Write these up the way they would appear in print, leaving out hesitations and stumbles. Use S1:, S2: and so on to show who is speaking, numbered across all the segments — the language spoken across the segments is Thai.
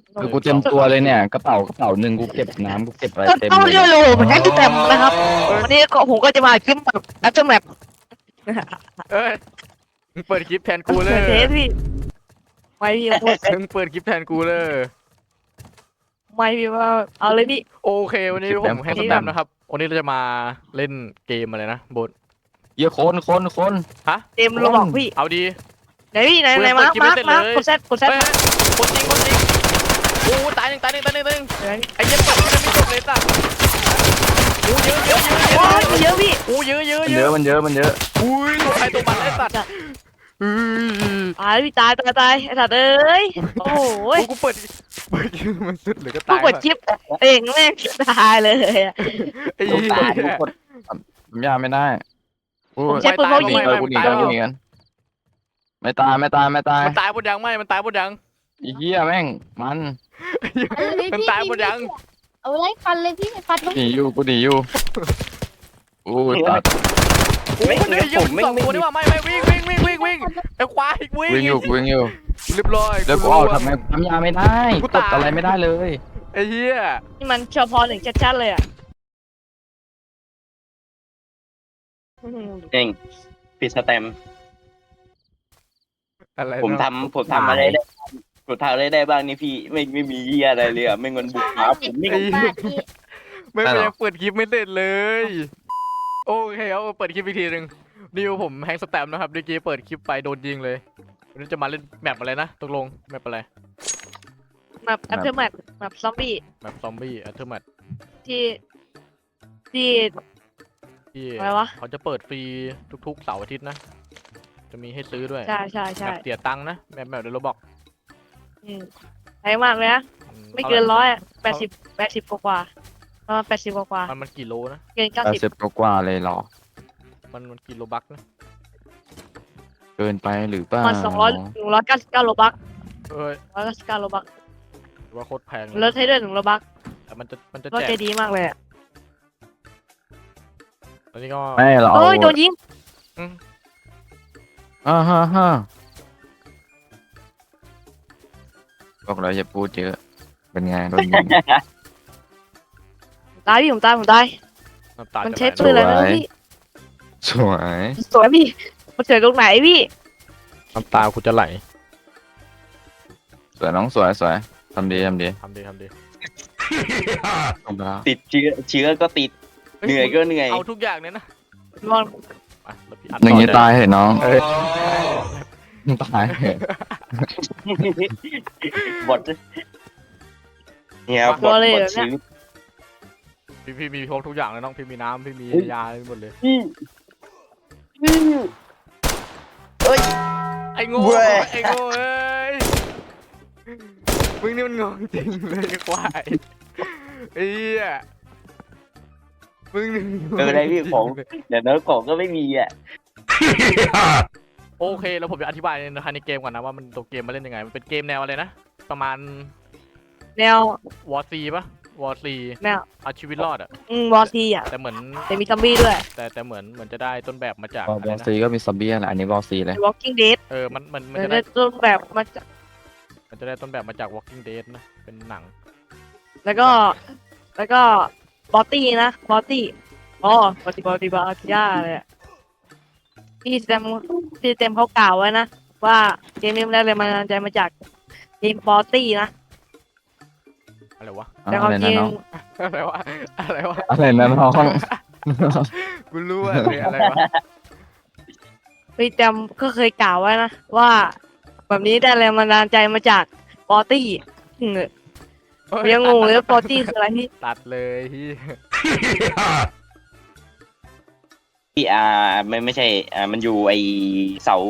S1: คือกูเต็มตัวเลยเนี่ยกระเป๋าหนึ่งกูเก็บน้ำกูเก็บอะไรเต็ม
S2: ต้อง
S1: เลย
S2: เรียกโลเหมือนกันที่เต็มนะครับวันนี้ก็ผมก็จะมาคลิปแบบแอปเปิลแมป
S3: เอ้ยมึงเปิดคลิปแทนกูเล
S2: เปิ
S3: ย
S2: ดเทสพี่ไม่พี่พูด
S3: มึงเปิดคลิปแทนกูเลย
S2: ไม่พี่ว่าเอาเลยพี่
S3: โอเควันนี้ผมให้สแตมป์นะครับวันนี้เราจะมาเล่นเกมอะไรนะบท
S1: เยอะคน
S3: ฮะ
S2: เต็มเราบอกพี่
S3: เอาดี
S2: ไหนพี่ไหน
S3: กู
S2: ไหน
S3: ยัง
S2: มา
S3: เปิดคลิปไม่เสร็จเลย
S2: กดแซดกดแซด
S3: เฮ้ยคนจริงโอ้ตายหนึ่งไอ้เหี้ยเปิดมันไม่จบเลยสัสโอ้เยอะ
S2: โอ้ยเยอะพี่
S3: โอ้เยอะ
S1: มันเยอะมันเยอะมันเยอะ
S3: อุ้ยตัวใครตัวมันไอ้สัตว์
S2: ตายพี่ตายไอ้สัตว์เอ้ยโอ้โห
S3: กูเปิดคลิปมันสุดเลยก็
S2: กู
S3: ตาย
S2: กดชิปเองแม่งตายเลยอะ
S3: ไอ้
S1: กู
S3: เหี้
S1: ตายกู
S3: ย
S1: กดผมยาไม่ได้กู
S2: ผมใช้ปืนพกยิง
S1: กูหนีกันไม่ตาย
S3: มันตายหมดยังมันตายหมดยัง
S1: อีเหี้ยแม่งมัน
S3: มันตายหมดยัง
S4: เอาไล่ฟันเลยพี่ฟัน
S1: หนีอยู่กูหนีอยู่โอ้ยตัด
S3: โอ้ยเดี๋ยวยิงสองตัวนี่ว่าไม่วิ่งไอ้ควายวิ่ง
S1: วิ่งอยู่
S3: เรียบร้อย
S1: แล้วกูออกทำไมทำยาไม่ได้กดอะไรไม่ได้เลย
S3: ไอ้เหี้ย
S2: นี่มันเฉพาะหนึ่งชัดๆเลยอ่ะ
S5: เองปิดสแตมป์
S3: อะไร
S5: ผมทำอะไรได้ผมทำอะไรได้บ้างนี่พี่ไม่มีเหี้ยอะไรเลยอ่ะไม่เงินบุกหาผมไม่
S4: บาทพี่
S3: ไม่ยังเปิดคลิปไม่เสร็จเลย โอเคเอาเปิดคลิปอีกทีหนึ่งนี่ผมแฮงสแตมนะครับเมื่อกี้เปิดคลิปไปโดนยิงเลยวันนี้จะมาเล่นแมปอะไรนะตกลงแมปอะไร
S2: แบบแอปเปิลแมปแบบซอมบี้
S3: แมปซอมบี้อัลเทอร์แมท
S2: ที่ที่
S3: ที่
S2: อะไรวะ
S3: เขาจะเปิดฟรีทุกๆเสาร์อาทิตย์นะจะมีให้ซื้อด้วย
S2: ใช่
S3: แมปเสียตังค์นะแมปเดลบอก
S2: แพงมากเลยนะไม่เกิน180กว่าประมาณ80กว่า
S3: มันกี่โลนะ
S2: เกิน
S1: 80กว่าเลยเหรอ
S3: มันกี่โลบักนะ
S1: เกินไปหรือเปล่า
S2: 90มัน199โลบัก
S3: เอ้ย
S2: 199โลบัก
S3: ว่าโคตรแพง
S2: ลดให้ด้วย1โลบัก
S3: แต่มันจะ
S2: ก็
S3: แจ
S2: ใจ
S3: ก
S2: ดีมากเลยอะ
S3: ตอนนี้ก็
S1: ไม่เรา
S2: โอ้ยโดนยิง
S1: ฮ่าบอกเราอย่าพูดเยอะเป็นไงโดนยิง
S2: ตายพี่ผมตาย
S3: น้ำตา
S2: มัน
S3: จะ
S2: ใช้
S3: ไหล
S2: ปืนอะไรนะ
S1: สวย
S2: พี่
S1: สวย
S2: สวยพี่มันเกิดตรงไหนพี่
S3: น้ำตากูจะไหล
S1: สวยน้องสวยทำดี
S3: ทำดี
S1: ลงไปแล้ว
S5: ติดเชื้อก็ติดเหนื่อยก็เหนื่อย
S3: เอาทุกอย่างเนี่ยนะ
S2: ลอง
S3: อ่ะแล้วพี่อัด
S1: อย่างนี้
S3: ต่อ
S1: ตายเหรอน้อง
S3: เอ้ย
S1: ตายเหรอบ
S5: ทเนี่ยบทชีวิต
S3: พี่มีครบทุกอย่างเลยน้องพี่มีน้ำพี่มียาหมดเลย ไอ้โง่เอ้ยมึงนี่มันงงจริงเลยไอ้ควายไอ้เหี้ยมึงนี่มันงง
S5: อะไรพี่ของเดี๋ยวเนื้อของก็ไม่มีอ่ะ
S3: โอเคแล้วผมจะอธิบายในเกมก่อนนะว่ามันตัวเกมมาเล่นยังไงมันเป็นเกมแนวอะไรนะประมาณ
S2: แนว
S3: วอร์ซีปะวอร์ซี
S2: แนว
S3: เอาชีวิตรอดอะ
S2: วอร์ซีอ่ะ
S3: แต่เหมือน
S2: แต่มีซอมบี้ด้วย
S3: แต่เหมือนจะได้ต้นแบบมาจาก
S1: บอ
S3: อะไร
S1: ล
S3: นะ
S1: ซีก็มีซอมบี้แหละอันนี้บอลซีเลย
S2: Walking Dead
S3: มันจะ
S2: ได้
S3: ได้
S2: ต้นแบบมาจาก
S3: ต้นแบบมาจาก Walking Dead นะเป็นหนัง
S2: แล้วก็บอตตี้นะบอตตี้อ๋อบอตตี้บอตย่าเลยอะที่เต็มเขากล่าวไว้นะว่าเกมนี้มันได้เลยมาใจมาจากเกมบอตตี้นะ
S3: อะไรวะ
S2: แต่ความ
S1: อะไร
S2: จริ
S1: นะ
S2: ง
S1: น้อง
S3: อะไรวะ
S1: อะไรนะน้อง
S3: กูรู้อะไรวะ
S2: พี่เต็มก็เคยกล่าวไว้นะว่าแบบนี้ได้แรงบันดาลใจมาจากบอตตี้ยังงงเลยว่าบอตตี้คืออะไรพี่
S3: ตัดเลยที่
S5: ที่ไม่ใช่มันอยู่ไอเสา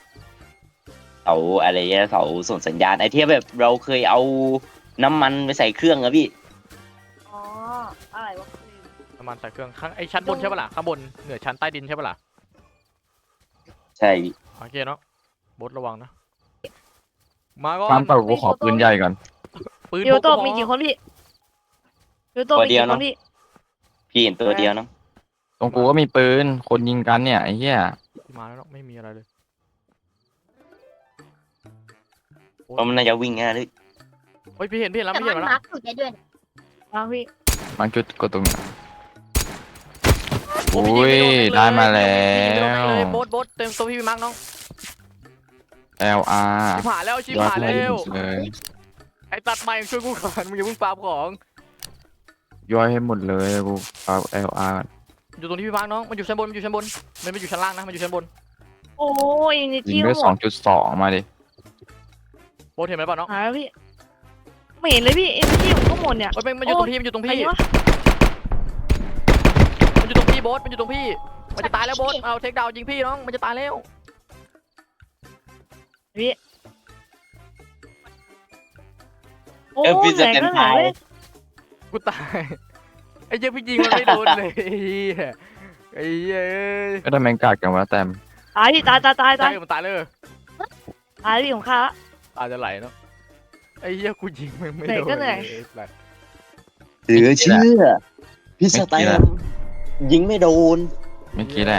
S5: อะไรเงี้ยเสาส่งสัญญาณไอที่แบบเราเคยเอาน้ำมันไปใส่เครื่องอะพี่
S2: อ๋ออะไรวะ
S3: ประมาณใส่เครื่องข้างไอชั้นบนใช่ปะล่ะข้างบนเหนือชั้นใต้ดินใช่ปะล่ะ
S5: ใช่
S3: โอเคเนาะบดระวังนะมาก่อ
S1: ความ
S3: น
S1: เต่ากูขอปืนใหญ่ก่อน
S3: ปืน
S2: พี่โอโต้
S3: พก
S2: มีกี่คนพี่พี่โอโต้มีกี่คนพี่
S5: พี่เห็นตัวเดียวเนาะ
S1: ตรงกูก็มีปืนคนยิงกันเนี่ยไอ้เหี้ย
S3: มาแล้วเนาะไม่มีอะไรเลย
S5: เพราะมันน่าจะวิ่งง่ายเลย
S3: โอ้ยพี่เห็นแล้ว
S4: แต่
S3: พี่
S4: มั
S3: เห็
S4: น
S3: นแล้ว
S4: มาร์คสุดได้ด้วยนะ
S2: มาพี่
S1: มันจุดกดตรงนี้
S3: โอ้
S1: อุ้
S3: พี่ยิง
S1: ย
S3: ม่โน
S1: ได้มาแล้
S3: พี่ยิงไม่โดนแม่ง
S1: ว
S3: เลยโบ๊ทเต็มตัวพี่มาร์กน้อง
S1: LR
S3: ชิบหายแล้วชิบ
S1: ยอด
S3: หาย
S1: เล
S3: แล้ว
S1: เลย
S3: ไอ้ตัดใหม่ช่วยกูก่อนมึงอย่าเพิ่งปาของ
S1: ย่อยให้หมดเลยกูเอา LR ก่อน
S3: อยู่ตรงที่พี่มาร์กน้องมันอยู่ชั้นบนมันอยู่ชั้นบนมันไม่อยู่ชั้นล่างนะมันอยู่ชั้นบน
S2: โอ้ยนิ
S1: ยิ
S2: จี้
S1: งด้วย
S2: หมด
S1: 2.2 มาดิ
S3: โบ๊ทเห็นไหมเปล่าน้อง
S2: หายแล้วพี่ไม่เห็นเลยพี่นิจี้ผมก็หมดเนี่ย
S3: โอ้ยมันอยู่ตรงพี่มันอยู่ตรง
S2: ใคร
S3: พี่
S2: วะ
S3: มันอยู่ตรงพี่โบ๊ทมันอยู่ตรงพี่มันจะตายแล้วโบ๊ทเอาเทคดาวน์ยิงพี่น้องมันจะตายแล้ว
S2: โอ้
S5: พี่
S2: ย
S5: จะ
S2: ไหน
S5: เต็ม
S2: ก็ไหน
S5: ทาย
S2: เว้ย
S3: กูตายไอ้เจ้าพี่ยิงมันไม่โดนเลยไอ้เหี้ยไอ้เหี้ย
S1: ก็ทำแมงกาดกันวะแต้ม
S2: ตายพี่ตาย
S3: ตายมันตายเลย
S2: ตายพี่ของข้าละ
S3: ตายจะไหลเนาะไอ้เหี้ยกูยิงมันไม่
S2: เหนื่อย
S3: โดน
S2: ก็เหนื่อย
S3: ลสัตว์
S5: เหลือเชื่อพี่สแตมยิงไม่โดน
S1: เมื่อกี้แหละ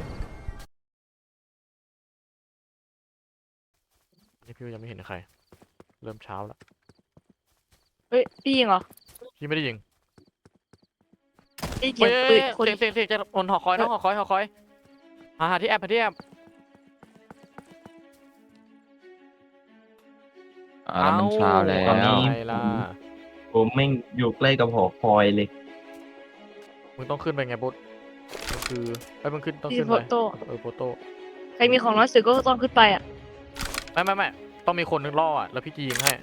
S3: นี่พี่ยังไม่เห็นใครเริ่มเช้าแล้ว
S2: เฮ้ยพี่ยิงเหรอ
S3: พี่ไม่ได้ยิง
S2: พี่เก็
S3: เฮ้
S2: บ
S3: ย
S2: ปืนคน
S3: เสียงจะบนหอคอยน้องหอคอยหาที่แอปหาที่แอป
S1: แล้วมันเช้าแล้
S3: ตอน
S1: ว
S3: นี้ไงล่ะ
S6: ผมไม่งอยู่ใกล้กับหอคอยเลย
S3: มึงต้องขึ้นไปไงบุ๊ดมันคือไอ้ยมึงขึ้นต้อง
S2: พี่
S3: ขึ้น
S2: โฟ
S3: ไป
S2: โต้
S3: โฟโต้
S2: ใครมีของน้อยสุดก็ต้องขึ้นไปอ่ะ
S3: ไม่ต้องมีคนนึงล่ออ่ะแล้วพี่จะยิงให้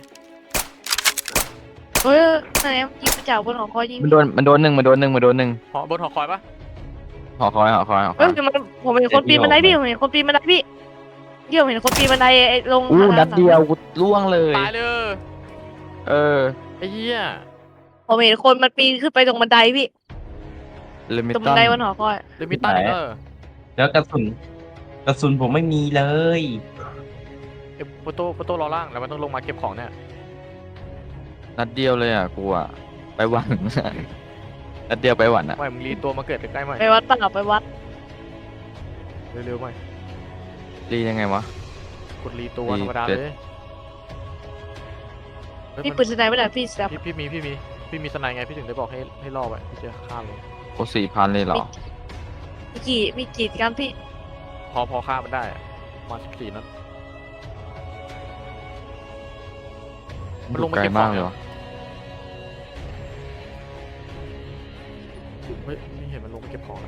S2: เฮ้ยไหนยิงไปจากบนหอคอยยิง
S1: มันโดนหนึ่ง
S3: หอบนหอคอยปะ
S1: หอคอย
S2: เฮ้ยผมเห็นคนปีนบันไดพี่ผมเห็นคนปีนบันไดพี่เดี๋ยวผมเห็นคนปีนบันไดไอ้ลง
S1: อู้
S2: ทาง
S1: นัดเดียวกูล่วงเลย
S3: ตายเลย
S1: เออ
S3: ไอ้เหี้ย
S2: ผมเห็นคนมันปีนขึ้นไปตรงบันไดพี่
S1: เลมิ
S2: ตรงบั
S1: ตั
S2: น
S1: น
S2: ไดบนหอคอย
S3: เดมิตัน
S6: ไหน แล้วกระสุนผมไม่มีเลย
S3: โฟโต้รอล่างแล้วมันต้องลงมาเก็บของเนี่ย
S1: นัดเดียวเลยอ่ะกูอ่ะไปหวัน นัดเดียวไปหวันอ่ะ
S3: ไม่มึงรีตัวมาเกิดใกล้ๆไหม
S2: ไปวัดเปล่าไปวัด
S3: เร็วๆไหม
S1: รียังไงวะ
S3: กดรีตัว
S1: รี
S3: ธรรมดา
S1: เจ็ด
S3: เลยเฮ้ย
S2: พี่
S3: มัน
S2: ปืนสไนไม่ได้พี่แซม
S3: พี่มีสไนไงพี่ถึงได้บอกให้ล่อไว้พี่จะฆ่าเลย
S1: โอ้4,000เลยเหรอ
S2: มีกี่กันพี่
S3: พอฆ่ามันได้อะประมาณ14นัด มันลงมา
S1: ไกล
S3: เก็บของ
S1: มากเลยวะ
S3: เฮ้ยไม่เห็นมันลงมาเก็บของอะ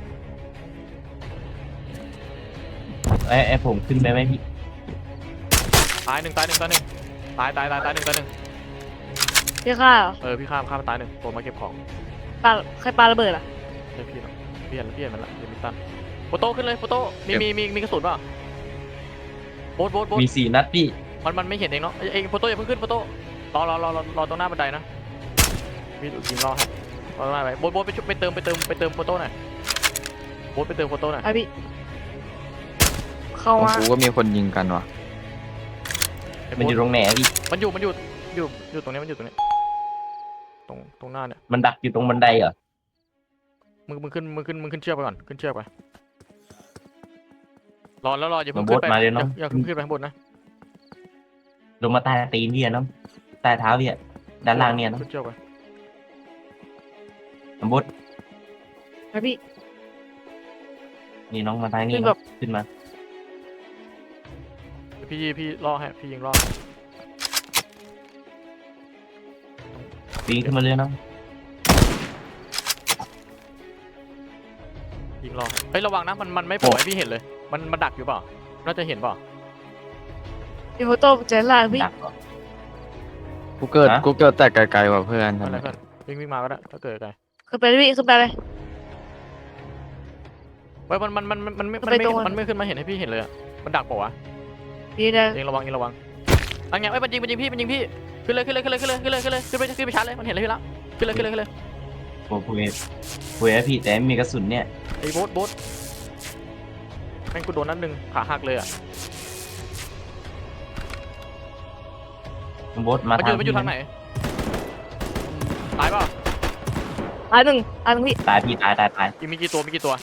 S6: ไอ้ผมขึ้นไปไหมพี่
S3: ตายหนึ่งตายหนึ่งตายหนึ่งตายหนึ่งตายหนึ่ง
S2: พี่ฆ่าเหรอ
S3: เออพี่ฆ่ามันตายหนึ่งตัวมาเก็บของ
S2: ปาใครปาระเบิดอ่ะ
S3: ใช่พี่เนาะพี่เห็นมันละเดมิตันโฟโต้ขึ้นเลยโฟโต้มีกระสุนป่ะโบ๊ท
S6: มี4 นัดพี่
S3: มันไม่เห็นเองเนาะเองโฟโต้อย่าเพิ่งขึ้นโฟโต้รอตรงหน้าบันไดนะพี่ยิงรอให้รอตรงหน้าไปโบ๊ทไปเติมโฟโต้หน่อยโบ๊ทไปเติมโฟโต้หน่อย
S2: ไอพี่เข้า
S1: ของ
S2: มา
S1: กูก็มีคนยิงกันว่ะ
S6: มันอยู่ตรงไหนอะพี่
S3: มันอยู่ตรงนี้ตรงหน้าเนี่ย
S6: มันดักอยู่ตรงบันไดเหรอ
S3: มึงขึ้นเชือกไปก่อนขึ้นเชือกไปรออย่าเพิ่ง
S6: มา
S3: ขึ้นไป
S6: โบ๊ทมาเลยเนอะ
S3: อย่าเพิ่งขึ้นไปข้างบนนะ
S6: ลงมาใต้ตีนพี่อะเนาะใต้เท้าพี่อะด้านล่างเนี่ยเนาะ
S3: ขึ้นเชือกไป
S6: น้ำบด
S2: ไอพี่
S6: นี่น้องมาทางนี้
S2: คือแบบ
S6: เนาะขึ้นมา
S3: พี่ล่อให้พี่ยิงล่อ
S6: ปีนขึ้นมาเลยเนาะ
S3: ยิงล่อเฮ้ยระวังนะมันไม่โผล่ให้พี่เห็นเลยมันดักอยู่เปล่าน่าจะเห็นเปล่า
S2: พี่โฟโต้เจอล่างพี่
S6: ดักเหรอ
S1: กูเกิด
S6: ฮะ
S1: กูเกิดแต่ไกลๆว่ะเพื่อน
S3: อะไร
S1: ทำไม
S3: เพื่อนวิ่งมาก็ได้ถ้าเกิดอะไร
S2: ขึ้นไปเลยพี่ขึ้นไปเลย
S3: เฮ้ยมันไม่
S2: ไปตรง
S3: มันไม่ขึ้นมาเห็นให้พี่เห็นเลยอะมันดักเปล่าวะ
S2: พี่เดิน
S3: เองระวังอันไงเอ้ยมันยิงพี่ขึ้นเลยขึ้นไปชาร์จเลยมันเห็นเลยพี่ละขึ้นเลย
S6: ผมคุยให้พี่แต่ไม่มีกระสุนเนี่ย
S3: ไอ้โบ๊ทแม่งกูโดนนัดหนึ่งขาหักเลยอ่ะ
S6: น้ำบดมา
S3: มัน
S6: ทาง
S3: อยู่ทางไหนตายเปล่า
S2: ตายหนึ่งพี่
S6: ตายพี่ตาย
S3: มีกี่ตัว
S2: ยอด
S3: มี
S2: ตัว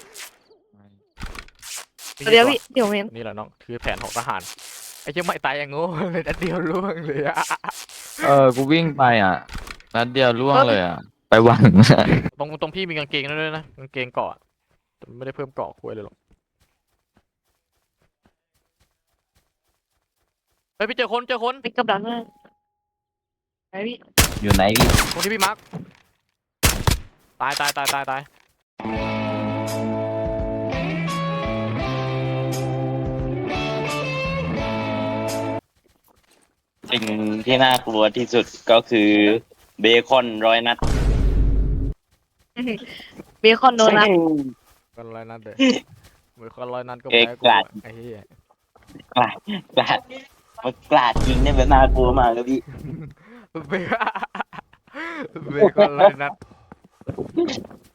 S3: กี่
S2: เดียวพี่ที่ผมเห็น
S3: นี่แหละน้องคือแผนของทหารไอ้เจ้าไม่ตายอย่างโง่เลยนัดเดียวล่วงเลยอะ
S1: กูวิ่งไปอ่ะนัดเดียวล่วงเลยอ่ะ ไปหวัง
S3: ตรงพี่มีกางเกงด้วยนะกางเกงเกาะแต่ไม่ได้เพิ่มเกาะคุยเลยหรอกเฮ้ยพี่เจอคน
S2: ปิกกับดักเลยไหนพี่
S6: อยู่ไหนพี่
S3: ตรงที่พี่มาร์คตาย
S5: สิ่งที่น่ากลัวที่สุดก็คือเบคอน100 นัด
S2: เบคอนโดนนะ
S3: ก็ร้อยนัดเลยเหมือนคนร้อยนัดก็
S5: เอ๊ะ
S3: แพ้กู
S5: กราด
S3: ไอ้เหี้ย
S5: กลาดกลาดมันกลาดจริงเนี่ยแบบน่ากลัวมากเลยพี่
S3: เบคอนร้อยนัด